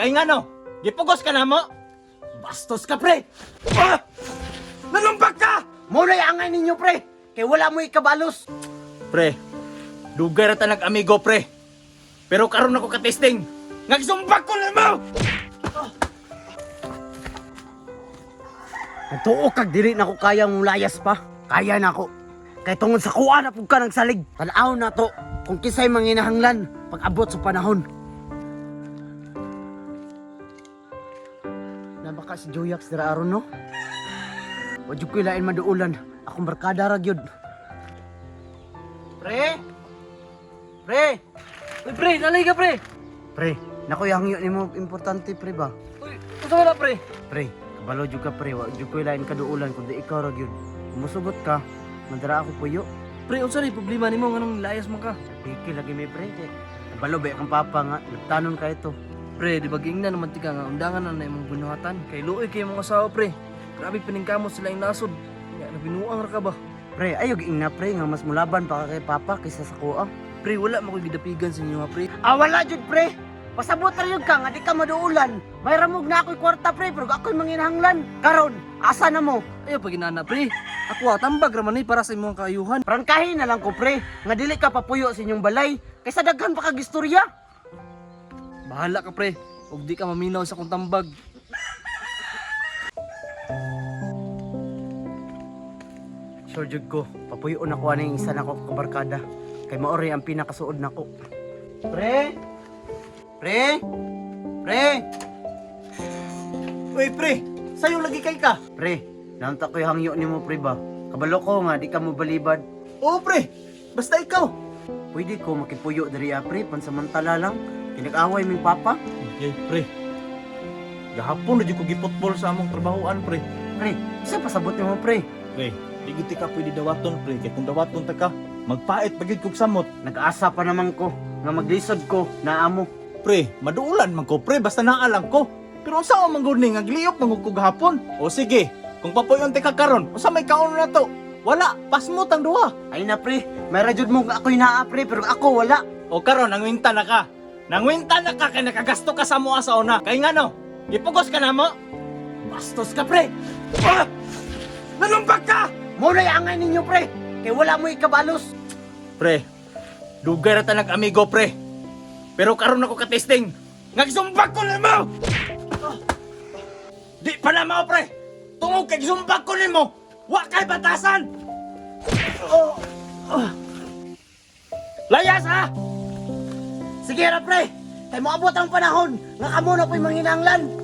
Kay nga no, gipugos ka na mo. Bastos ka, pre! Ah! Nalumpag ka! Muna angay ninyo, pre! Kay wala mo ikabalos! Pre, dugay ra ta nag-amigo, pre. Pero karon ako ka-testing. Nagsumbag ko na mo! Nagtuo kag dili na ko kaya mong layas pa. Kaya na ako. Kay tungod sa kuha na pug ka ng salig. Tanaw na to kung kisay manginahanglan pag abot sa panahon. Nabaka si Joyax dira aron no? Wadyo ko ilain maduulan. Akong barkada ra gyud. Pre! Pre! Uy, pre, nalay ka, pre! Pre, nakuyang yun mo importante pre ba? Uy, gusto mo na, pre? Pre, kabalo jud ka pre, wadyo ko ilain kaduulan kundi ikaw ra gyud. Musugot ka, madara ako puyo. Pre, unsa rin problema nimo nganong layas man ka? Piki lagi may pre. Kabalo ba kang papa nga, nagtanon ka ito. Pre, di ba giingnan naman tika nga undangan na imong bunuhatan. Kay luoy kay mga asawa, pre. Grabe piningkamot sila yung nasod. Nga nabinuang ra ka ba? Pre, ayaw giing na pre, nga mas mulaban pa ka kay papa kaysa sa kuha. Pre, wala mo ko'y gidapigan sa inyo, ha, pre. Ah, wala jud pre. Pasabot ra yun ka, nga di ka maduulan. May ramog na ako'y kwarta pre, pero ako'y manginahanglan. Karon, asa na mo? Ayaw pa ginana, pre. Ako tambag raman ni para sa imong kaayuhan. Prangkahin na lang ko pre, nga dili ka papuyo sa inyong balay. Kaysa daghan pa kag istorya. Bahala ka, pre. Ug di ka maminaw sa kong tambag. Sure jud ko, papuyo na ko aning isa na ko kabarkada. Kay maori ang pinakasuod nako. Pre! Pre! Pre! Uy, pre, sayo lagi kay ka. Pre, naunta ko'y hangyo ni mo pre ba? Kabalo ko nga, di ka mo balibad. Oo, pre, basta ikaw. Pwede ko makipuyo diri pre, pansamantala lang. Kinag-away ming papa. Okay, pre. Gahapon na dyan ko gipotbol sa among trabahoan, pre. Pre, isa pasabot ni mo pre. Pre, di giti ka pwede dawaton, pre. Kaya kung dawaton ta ka, magpait pagid kog samot. Nag-asa pa naman ko, nga maglisod ko, na amo. Pre, maduulan man ko, pre. Basta naalang ko. Pero ang saan man guni, nagliyop man ko gahapon. O sige, kung papuyon ti ka karon, usa may kaon na to. Wala, pasmot ang duha. Ay na pre, may radyod mo nga ako'y naa pre, pero ako wala. O karon, nangwinta na ka. Nangwinta na ka kay nakagasto ka sa mua sa una. Kay nga no, gipugos ka na mo. Bastos ka pre! Ah! Nalumpag ka! Muna angay ninyo pre, kay wala mo ikabalos. Pre, dugay ra ta nag-amigo, pre. Pero karon ako ka-testing. Nagsumbag ko nimo! Di pa na mao, pre. Tungog kay sumbag ko nimo. Wa kay batasan. Layas ha! Sige ra pre, kay moabot ang panahon, nga kamo na po'y manginanglan.